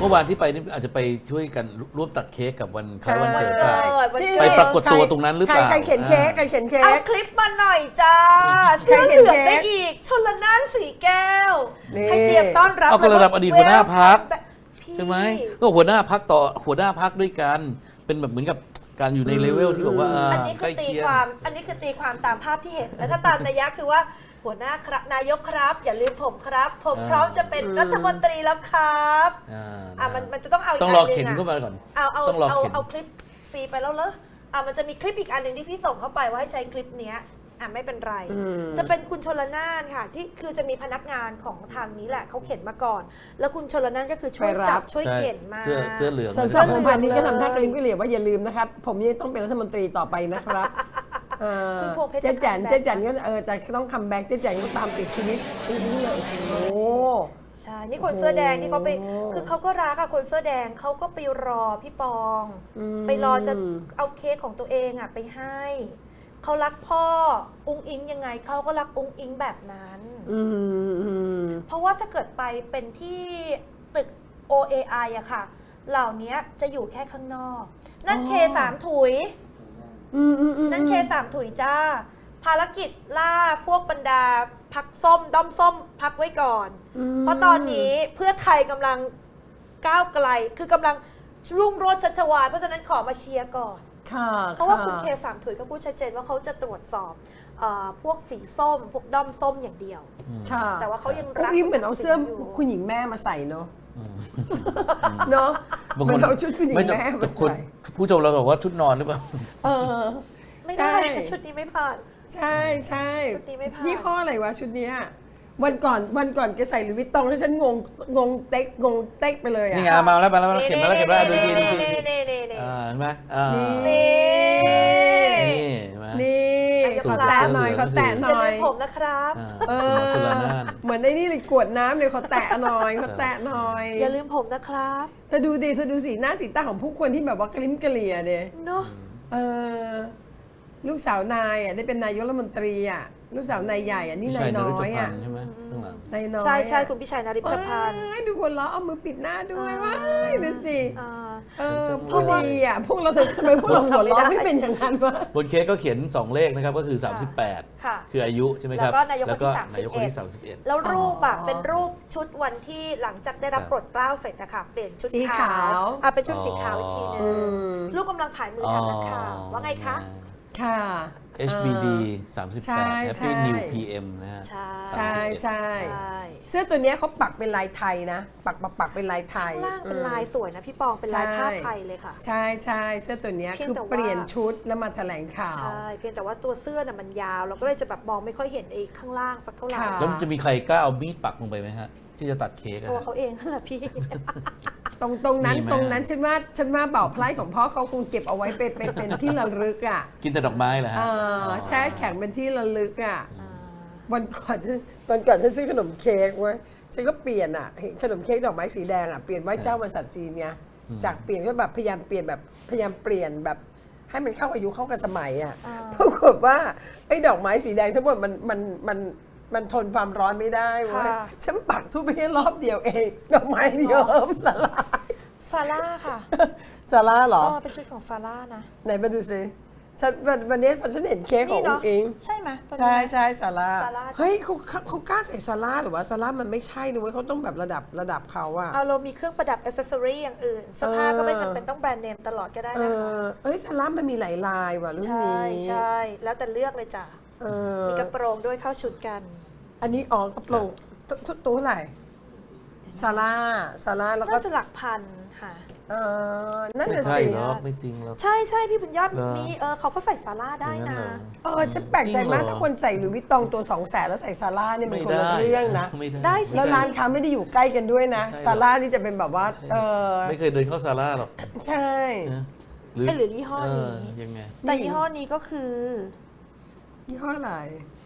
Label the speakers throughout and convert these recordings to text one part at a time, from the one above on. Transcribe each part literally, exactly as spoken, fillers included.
Speaker 1: มื่อวานที่ไปนี่อาจจะไปช่วยกันร่วมตัดเค้กกับวันคล้ายวันเกิด
Speaker 2: ใช่
Speaker 1: ป่ะ
Speaker 2: วันเกิด
Speaker 1: ไปปรากฏตัวตรงนั้นหรือเปล่า
Speaker 3: ใครเขียนเค้กใครเขียนเค้
Speaker 2: เอา
Speaker 3: ก
Speaker 2: คลิปมาหน่อยจ้า
Speaker 3: ใคร
Speaker 2: เสื้อ
Speaker 3: เขี
Speaker 2: เห
Speaker 3: ยน
Speaker 2: ลือง
Speaker 3: เค้ก
Speaker 2: ได้อีกชลน่านสีแก้ว
Speaker 3: นี่
Speaker 2: ให้เตรียมต้อนรับ
Speaker 1: เอาก็ระดับอดีตหัวหน้าพรรค
Speaker 2: พี่
Speaker 1: ใช่ไหมก็หัวหน้าพักต่อหัวหน้าพักด้วยกันเป็นแบบเหมือนกับการอยู่ในเลเวลที่บอกว่า
Speaker 2: อันนี้
Speaker 1: ใก
Speaker 2: คื
Speaker 1: ล้
Speaker 2: อตี
Speaker 1: เคียง
Speaker 2: ความ อันนี้คือตีความตามภาพที่เห็น แล้วถ้าตามนัยยะคือว่าหัวหน้าครับนายกครับ อย่าลืมผมครับ ผมพร้อมจะเป็นรัฐมนตรีแล้วครับ
Speaker 1: อ่า
Speaker 2: อ่ะมันมันจะต้องเอาอีก
Speaker 1: ต้องรอ
Speaker 2: อันหนึ่
Speaker 1: เข็น
Speaker 2: ง
Speaker 1: เข้า
Speaker 2: อ่ะ
Speaker 1: มาก่อน
Speaker 2: เอาเอา
Speaker 1: ต้องรอ
Speaker 2: เอา
Speaker 1: เข็น
Speaker 2: เอาคลิปฟรีไปแล้วเหรออ่ะมันจะมีคลิปอีกอันหนึ่งที่พี่ส่งเข้าไปว่าให้ใช้คลิปเนี้ยอ่ะไม่เป็นไร
Speaker 3: อืม
Speaker 2: จะเป็นคุณชลน่านค่ะที่คือจะมีพนักงานของทางนี้แหละเขาเข็นมาก่อน แล้วคุณชลน่านก็คือช่วย
Speaker 3: ไปรับ
Speaker 2: จับช่วย
Speaker 1: ใช่
Speaker 2: เข็นมา
Speaker 1: เสื้อเสื้อเหลือง
Speaker 3: สำหรับผมพันนี้ก็ทำท่ากระลิมกระเหลี่ยว่าอย่าลืมนะครับ ผมยังต้องเป็นรัฐมนตรีต่อไปนะครับเออ
Speaker 2: คุณพวงเพชร
Speaker 3: เจ๊แจน
Speaker 2: จะ
Speaker 3: เจ๊แจน
Speaker 2: คัมแบ็ค
Speaker 3: ก็เออจะต้องคัมแบ็กเจ๊แจนก็ตามติดชีวิตปีนี้เลยโอ้โห
Speaker 2: ใช่ นี่คนเสื้อแดงที่เขาไป
Speaker 3: โอ้
Speaker 2: คือเขาก็รักอะคนเสื้อแดงเขาก็ไปรอพี่ปอง
Speaker 3: อืม
Speaker 2: ไปรอจะเอาเค้กของตัวเองอะไปให้ เขารักพ่อ อุ้งอิงยังไงเขาก็รักอุ้งอิงแบบนั้น
Speaker 3: อืมอืม
Speaker 2: เพราะว่าถ้าเกิดไปเป็นที่ตึก โอ เอ ไอ อะค่ะ เหล่านี้จะอยู่แค่ข้างนอก นั่นเคสามถุย
Speaker 3: อืมอืมอืม
Speaker 2: นั่นเคสามถุยจ้า ภารกิจล่าพวกบรรดาพักส้ม ด้อมส้มพักไว้ก่อน เพราะตอนนี้เพื่อไทยกำลังก้าวไกล คือกำลังรุ่งโรจน์ชัชวาลเพราะฉะนั้นขอมาเชียร์ก่อน
Speaker 3: ค่ะ
Speaker 2: เพราะว่าคุณเคสามถุยก็พูดชัดเจนว่าเขาจะตรวจสอบเออพวกสีส้ม พวกด้อมส้มอย่างเดียว
Speaker 3: ค่ะ
Speaker 2: แต่ว่าเขายัง
Speaker 3: อุ้
Speaker 2: รั
Speaker 3: ง
Speaker 2: ก
Speaker 3: อิงเหมือนเอาเสื้อ
Speaker 2: อยู่
Speaker 3: คุณหญิงแม่มาใส่เนาะ
Speaker 1: อืม
Speaker 3: เนาะ
Speaker 1: บาง
Speaker 3: เห
Speaker 1: ค
Speaker 3: มือน นเอาชุดคุณหญิง
Speaker 1: ไม่แต่
Speaker 3: แม่
Speaker 1: แต่
Speaker 3: มา
Speaker 1: คน
Speaker 3: ใส่
Speaker 1: ผู้ชมเราบอกว่าชุดนอนหรือเปล่า
Speaker 3: เออ
Speaker 2: ไม่ได้
Speaker 3: ใช่
Speaker 2: ชุดนี้ไม่ผ่าน
Speaker 3: ใช่ใช่
Speaker 2: ชุดนี้ไม่ผ่าน
Speaker 3: ยี่ห้ออะไรวะชุดเนี้ยวันก่อนวันก่อนแกใส่หลุยส์วิตตองแล้วฉันงงงงเต็กงงเต็กไปเลยอ่ะ
Speaker 1: นี่ไงมาแล้วมาแล้วมาแล้วเข็นมาแล้วเข็นมาแล้วดูทีดูที
Speaker 2: เน่เน่เน่เน่
Speaker 1: อ่าเห็นไหมอ่า
Speaker 3: นี่
Speaker 2: นี่
Speaker 1: นี่เห็นไหม
Speaker 3: นี่
Speaker 2: สู
Speaker 3: ข
Speaker 2: ต
Speaker 3: อ
Speaker 2: ร
Speaker 3: แตะหน่อย
Speaker 1: เสื้
Speaker 3: ข
Speaker 1: อ
Speaker 3: อ
Speaker 1: เหลือง
Speaker 3: แตะห
Speaker 2: อย่า
Speaker 3: น่อ
Speaker 2: ลื
Speaker 3: ย
Speaker 2: มผมนะครับ
Speaker 1: อ่า
Speaker 3: เอ
Speaker 1: หมอชล
Speaker 3: อ
Speaker 1: นาน
Speaker 3: เหมือนไอ้นี่เลยกวดน้ำเลยขอแตะหน่อยขอแตะหน่อย
Speaker 2: อย่าลืมผมนะครับ
Speaker 3: เธอดูดิเธอดูสีหน้าติดตาของผู้คนที่แบบว่ากระลิ้มกระเหลี่ยเดีย
Speaker 2: เนาะ
Speaker 3: เออลูกสาวนายอ่ะได้เป็นนายกรัฐมนตรีอ่ะลูกสาวนายใหญ่อ่ะนี่
Speaker 1: พี่
Speaker 3: นา
Speaker 1: ชั
Speaker 3: ย
Speaker 1: ยน
Speaker 3: น้
Speaker 1: ฤ
Speaker 3: อ
Speaker 1: ท
Speaker 3: ย
Speaker 1: พั
Speaker 3: อ่ะ
Speaker 1: นธ์ใช่ไหมข้างหลัง
Speaker 3: นายน้อย
Speaker 2: ใช่ใช่
Speaker 3: อะ
Speaker 2: คุณพิชัยนาริปพันธ์
Speaker 3: ว้ายดูคนล้อเอามือปิดหน้าด้วย
Speaker 2: อ่า
Speaker 3: ว้ายดูสิ
Speaker 2: อ่า
Speaker 3: เออพูดดีอ่ะพวกเราทำไมพวกเราหัวเราะไม่เป็นอย่างนั้นวะ
Speaker 1: บนเค้กก็เขียนสองเลขนะครับก็คือสามสิบแปด
Speaker 2: ค่ะ
Speaker 1: คืออายุใช่ไหมครับ
Speaker 2: แล้วก็นายกคนที่
Speaker 1: นายกคนที่
Speaker 2: สา
Speaker 1: สาม ม
Speaker 2: สิ
Speaker 1: สิ
Speaker 2: บบ เอ็
Speaker 1: เอ็
Speaker 2: ด
Speaker 1: ด
Speaker 2: แล้วรูปอะ
Speaker 3: อ๋อ
Speaker 2: เป็นรูปชุดวันที่หลังจากได้รับ
Speaker 1: ครับ
Speaker 2: โปรดเกล้าเสร็จนะคะเปลี่ยนชุด
Speaker 3: สีขาว
Speaker 2: อ่ะเป็นชุดสีขาวอีกทีนึ
Speaker 3: อื
Speaker 2: ง
Speaker 3: ม
Speaker 2: ลูกกำลังผ่ายมือทางนักข่าวว่าไงคะ
Speaker 3: ค่ะ
Speaker 1: เอช บี ดี สามสิบ
Speaker 3: ใช่
Speaker 1: แปด
Speaker 3: ใช่
Speaker 1: Happy New พี เอ็ม นะฮะ
Speaker 2: ใช่
Speaker 3: ใช่ใช่
Speaker 2: ใช่
Speaker 3: เสื้อตัวเนี้ยเขาปักเป็นลายไทยนะ ปักปักปักเป็นลายไทย
Speaker 2: ข้างล่างเป็น
Speaker 3: อืม
Speaker 2: ลายสวยนะพี่ปองเป็นลาย
Speaker 3: ใช่
Speaker 2: ผ้าไทยเลยค่ะ
Speaker 3: ใช่ใช่เสื้อตัวเนี้ย
Speaker 2: เพียง
Speaker 3: คือ
Speaker 2: แต่ว่า
Speaker 3: เปลี่ยนชุดแล้วมาแถลงข่าว
Speaker 2: ใช่เพียงแต่ว่าตัวเสื้อน่ะมันยาวเราก็เลยจะแบบมองไม่ค่อยเห็นไอ้ข้างล่างสักเท่าไหร่
Speaker 3: ค่ะ
Speaker 1: แล้วมันจะมีใครกล้าเอามีดปักลงไปไหมฮะ ที่จะตัดเค้กอะ
Speaker 2: ตัว
Speaker 1: ฮะ
Speaker 2: เขาเองนั่นแหละพี่
Speaker 3: ตรงตรงนั้น
Speaker 1: มีไหม
Speaker 3: ตรงนั้นฉันว่าฉันว่าเบาพลายของพ่อเขาคงเก็บเอาไว้เป็นเป็นเป็นที่ระลึกอ่ะ
Speaker 1: กินแต่ดอกไม้เหรอฮะ
Speaker 3: เออแช่แข็งเป็นที่ระลึกอ่ะ
Speaker 2: อ่า
Speaker 3: วันก่อนฉันวันก่อนฉันซื้อขนมเค้กไว้ฉันก็เปลี่ยนอ่ะเห็นขนมเค้กดอกไม้สีแดงอ่ะเปลี่ยนไหว้เจ้าวันศาสตร์จีนไงจากเปลี่ยนก็แบบพยายามเปลี่ยนแบบพยายามเปลี่ยนแบบให้มันเข้าอายุเข้ากับสมัยอ่ะ
Speaker 2: อ่า
Speaker 3: ปรากฏว่าไอ้ดอกไม้สีแดงทั้งหมดมันมันมันมันทนความร้อนไม่ได้เว้ย
Speaker 2: ค่ะ
Speaker 3: ฉันปักทุบไปแค่รอบเดียวเองดอกไม้เยิ้มละลาย
Speaker 2: ซาร่าค่ะ
Speaker 3: ซาร่าเหรอ
Speaker 2: ก็เป็นชุดของซาร่านะ
Speaker 3: ไหนมาดูซิฉันวันวันนี้พอฉันเห็นเค้กของ
Speaker 2: นี่
Speaker 3: อุ๋
Speaker 2: เนาะ
Speaker 3: งอิง
Speaker 2: ใช่ไหมตอนนี้
Speaker 3: ใช่
Speaker 2: ไหม
Speaker 3: ใช่ซาร่า
Speaker 2: ซาร่า
Speaker 3: เฮ้ยเขาเขาเขากล้าใส่ซาร่าหรือว่าซาร่ามันไม่ใช่ด้วยเขาต้องแบบระดับระดับเขาอะ
Speaker 2: เอาเรามีเครื่องประดับอ c เซสซอรี่อย่างอื่นเสื้อผ้าก็ไม่จำเป็นต้องแบรนด์เนมตลอดก็ได้
Speaker 3: เอ
Speaker 2: นะคะ
Speaker 3: อเอ้ยซาร่ามันมีหลายลายว่ะรุ่น
Speaker 2: ใช่
Speaker 3: นี้
Speaker 2: ใช่แล้วแต่เลือกเลยจ้ะ
Speaker 3: เออ
Speaker 2: มีกระโปรงด้วยเข้าชุดกัน
Speaker 3: อันนี้อ๋อกระโปรงตัวตัวตัวเท่าไหร่ซาร่าซาร่าแล้วก็
Speaker 2: น่าจะหลักพันค่ะ
Speaker 3: เออนั่น
Speaker 1: ไม่
Speaker 3: น่ะ
Speaker 1: ใช่
Speaker 3: สิ
Speaker 1: หรอกไม่จริงหรอก
Speaker 2: ใช่ใช่พี่บุญยอด
Speaker 1: เหรอ
Speaker 2: มีเออเขาก็ใส่ซาร่าได้
Speaker 1: อย่าง
Speaker 2: นะ
Speaker 1: เหรอ
Speaker 3: เออจะแปลกใจมาก
Speaker 1: จริงเหรอ
Speaker 3: ถ้าคนใส่หลุยส์วิตตองตัวสองแสนแล้วใส่ซาร่าเนี่ยมัน
Speaker 1: ไม่
Speaker 3: คน
Speaker 1: ได้
Speaker 3: ละเรื่องนะ
Speaker 1: ไม่ได้
Speaker 2: ได้สิ
Speaker 3: แล้วร้านค้าไม่ได้อยู่ใกล้กันด้วยนะ
Speaker 1: ไม่ใช่หรอก
Speaker 3: ซาร่านี่จะเป็นแบบว่า
Speaker 1: ใช่
Speaker 3: เออ
Speaker 1: ไม่เคยเดินเข้าซาร่าหรอก
Speaker 3: ใช่
Speaker 1: นะ
Speaker 2: เอ้ยหรือยี่ห้อนี้
Speaker 1: เยังไง
Speaker 2: แต่ยี่ห้อนี้ก็คือ
Speaker 3: ยี่ห้ออะไร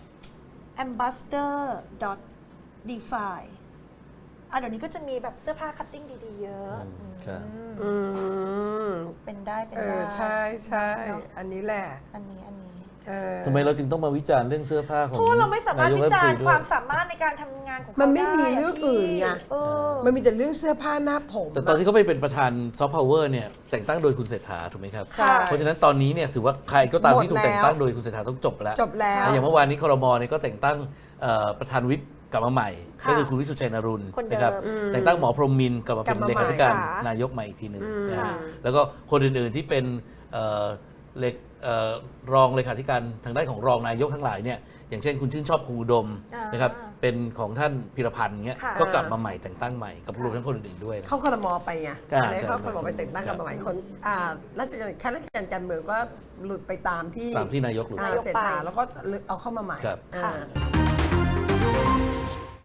Speaker 2: ambassador defy อ่ะเดี๋ยวนี้ก็จะมีแบบเสื้อผ้าคัตติ้งดีๆเยอะ
Speaker 1: อืมครับ
Speaker 2: อืม
Speaker 3: อืม
Speaker 2: เป็นได้เป็น
Speaker 3: เอ
Speaker 2: ได้
Speaker 3: อใช่ใช่
Speaker 2: เนอะ
Speaker 3: อันนี้แหละ
Speaker 2: อันนี้อันนี้
Speaker 3: เออ
Speaker 1: ทำไมเราจึงต้องมาวิจารณ์เรื่องเสื้อผ้าของ
Speaker 2: เพราะว่าเราไม่สามารถ
Speaker 1: นยก
Speaker 2: วิ
Speaker 1: ฐน
Speaker 2: จาร
Speaker 1: ต
Speaker 2: ณ์
Speaker 1: ด้
Speaker 2: คว วาย มสามารถในการทำงานของเขา
Speaker 3: มันไม่มี
Speaker 2: ด้ะ
Speaker 3: เรื่องอื่นไง
Speaker 2: เออ
Speaker 3: มันมีแต่เรื่องเสื้อผ้าหน้าผม
Speaker 1: แต่ตอนที่เขาไปเป็นประธานซอฟต์พาวเวอร์เนี่ยแต่งตั้งโดยคุณเศรษฐาถูกไหมครับ
Speaker 3: ใช่
Speaker 1: เพราะฉะนั้นตอนนี้เนี่ยถือว่าใครก็ตามที่ถูก
Speaker 3: หมดแล้ว
Speaker 1: แต่งตั้งโดยคุณเศรษฐาต้องจบแล้ว
Speaker 3: จบแล้ว
Speaker 1: อย่างเมื่อวานนี้ครมเนี่ยก็แต่งตั้งเอ่อประธานวิปกลับมาใหม่
Speaker 2: ค่ะ
Speaker 1: ก็คือคุณวิสุทธิ์ชัยนรุนท์
Speaker 2: คนเดิม
Speaker 1: นะครับแต่งตั้งหมอพรหมมินทร์กลับมาเป็น
Speaker 3: กลับมา
Speaker 1: เล
Speaker 3: ใหม่
Speaker 1: ขาธิการ
Speaker 2: ค่ะ
Speaker 1: นายกใหม่อีกทีหนึ่ง
Speaker 3: อืม
Speaker 1: นะ
Speaker 2: ค่ะ
Speaker 1: ฮะแล้วก็คนอื่นๆที่เป็นเอ่อเลขเอ่อรองเลขาธิการทางด้านของรองนายกทั้งหลายเนี่ยอย่างเช่นคุณชื่นชอบครูอุดม
Speaker 2: อ่าน
Speaker 1: นะครับเป็นของท่านพิรพันธ์เงี้ย
Speaker 2: ค่ะ
Speaker 1: ก็กลับมาใหม่แต่งตั้งใหม่กับรวมทั้งคนอื่นๆด้วยนะ
Speaker 3: เข้าครมไปไง
Speaker 1: อ่า
Speaker 3: อะไรเข้า
Speaker 1: ใช่
Speaker 3: ครมไปแต่งตั้งกันมาใหม่คนอ่าราชการข้าราชการการเมืองก็หลุดไปตามที่
Speaker 1: ตามที่นายกหลุด
Speaker 3: อ่า
Speaker 2: นายกไป
Speaker 3: เศรษฐาแล้วก็เอาเข้ามาใหม่
Speaker 1: ครับ
Speaker 3: อ่า
Speaker 2: ค่ะ